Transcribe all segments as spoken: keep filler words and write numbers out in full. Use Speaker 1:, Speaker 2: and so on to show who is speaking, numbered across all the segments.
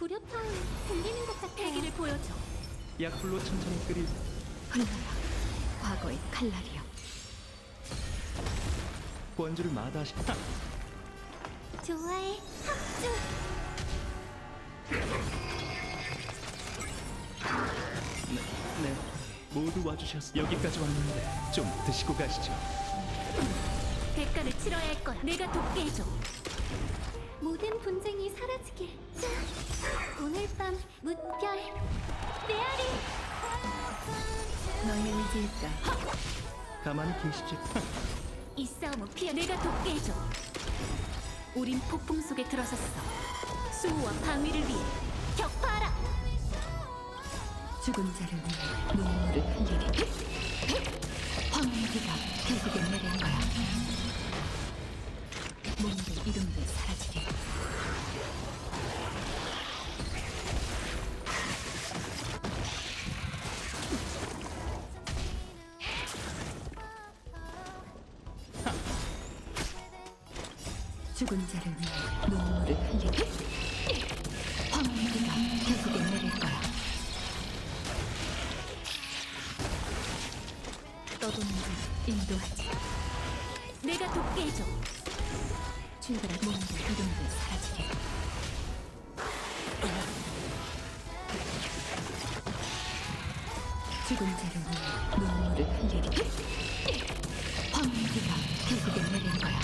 Speaker 1: 불협화음 들리는 것 같아요.
Speaker 2: 패기를 보여줘.
Speaker 3: 약불로 천천히 끓일
Speaker 2: 흘러라. 과거의 칼날이여.
Speaker 3: 원주를 마다하시. 하!
Speaker 1: 좋아해. 합주.
Speaker 3: 네, 모두 와주셨어. 여기까지 왔는데 좀 드시고 가시죠.
Speaker 2: 대가를 치러야 할 거야. 내가 돕게 해줘.
Speaker 1: 모든 분쟁이 사라지길. 자, 오늘 밤 무별 메아리.
Speaker 2: 너의 의지일까?
Speaker 3: 가만히 계시지. 하!
Speaker 2: 이 싸움은 피해. 내가 돕게 해줘. 우린 폭풍 속에 들어섰어. 수호와 방위를 위해 격파하라. 죽은 자를 위해 눈물을 흘리리. 황무기가 결국엔 내릴 거야. 몸도 이름도 사라지리. 죽은 자를 위해 눈물을 흘리리. 황무기가 결국엔 내릴 거야. 떠도는 자 인도하지. 내가 돕게 해줘. 출발할 몸도 이름도 사라지리. 죽은 자를 위해 눈물을 흘리리. 황무기가 결국엔 내릴 거야.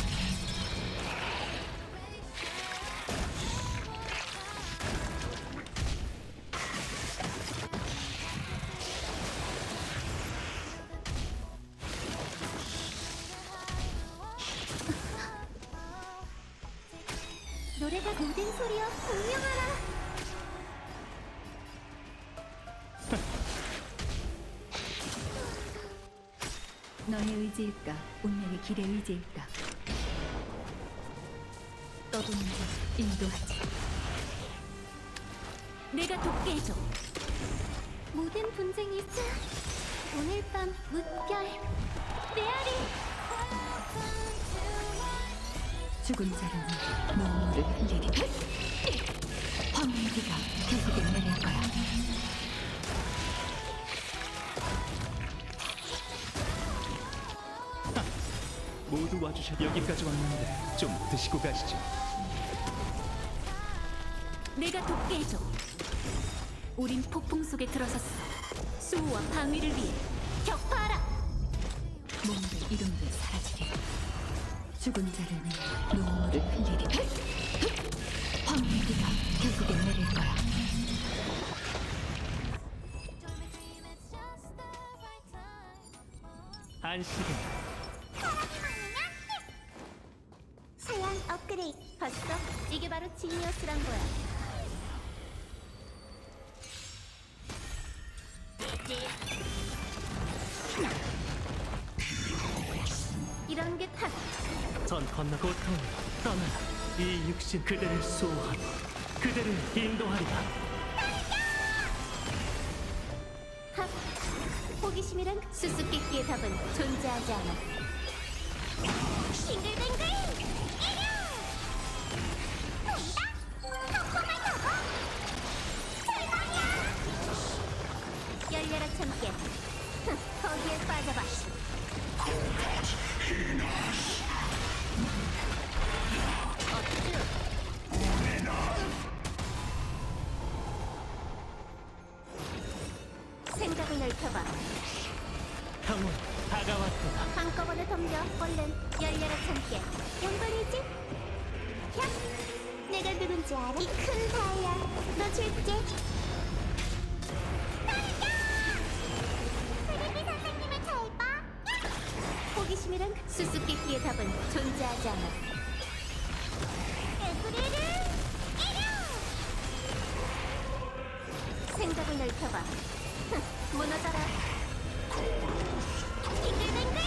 Speaker 1: 노래가 모든 소리여 공명하라.
Speaker 2: 너의 의지일까? 운명의 길의 의지일까? 떠도는 자 인도하지. 내가 돕게 해줘.
Speaker 1: 모든 분쟁이 자, 오늘 밤 무별 메아리.
Speaker 2: 죽은 자를 위해 눈물을 흘리리. 황무기가 결국엔 내릴 거야.
Speaker 3: 모두 와주셨. 여기까지 왔는데 좀 드시고 가시죠.
Speaker 2: 내가 돕게 해줘. 우린 폭풍 속에 들어섰어. 수호와 방위를 위해 격파하라. 몸도 이름도 사라지리. 죽은 자를 위해 눈물을 흘리리. 황무기가 결국엔 내릴 거야.
Speaker 3: 안식은
Speaker 1: 사양 업그레이드.
Speaker 2: 봤어? 이게 바로 지니어스란 거야. 이런 게 탓.
Speaker 3: 전 건너 고통 떠나라. 이 육신 그대를 수호하고 그대를 인도하리라.
Speaker 2: 핫. 호기심이란 수수께끼의 답은 존재하지 않아.
Speaker 1: 싱글뱅글. 이륙. 돈다. 덕분을 먹어. 대박이야.
Speaker 2: 열려라 참깨. 흥, 거기에 빠져봐. 어쭈. 생각을 넓혀봐.
Speaker 3: 형은 다가왔구나.
Speaker 2: 한꺼번에 덤벼. 얼른 열려라 참깨.
Speaker 1: 양반이지? 야, 내가 누군지 알아? 이 큰 다이아, 너 줄게. 프리비 선생님을 잘 봐.
Speaker 2: 호기심이란 수수께끼의 답은 존재하지 않아.
Speaker 1: 에브리를 이륙.
Speaker 2: 생각을 넓혀봐. 흥, 무너져라.
Speaker 1: 싱글뱅글.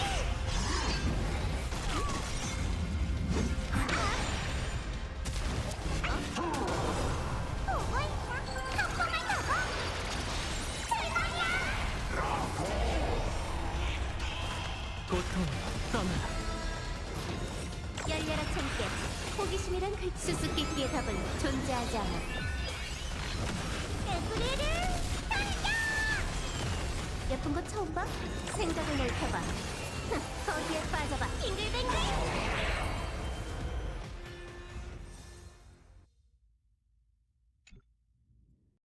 Speaker 1: 보고 있어. 덕분을 먹어. 대박이야.
Speaker 3: 고통 떠나라.
Speaker 2: 열려라 참깨. 호기심이란 수수께끼의 답은 존재하지 않아.
Speaker 1: 너구리를 당겨!
Speaker 2: 예쁜 거 처음 봐? 생각을 넓혀봐. 흥, 거기에 빠져봐.
Speaker 1: 빙글빙글!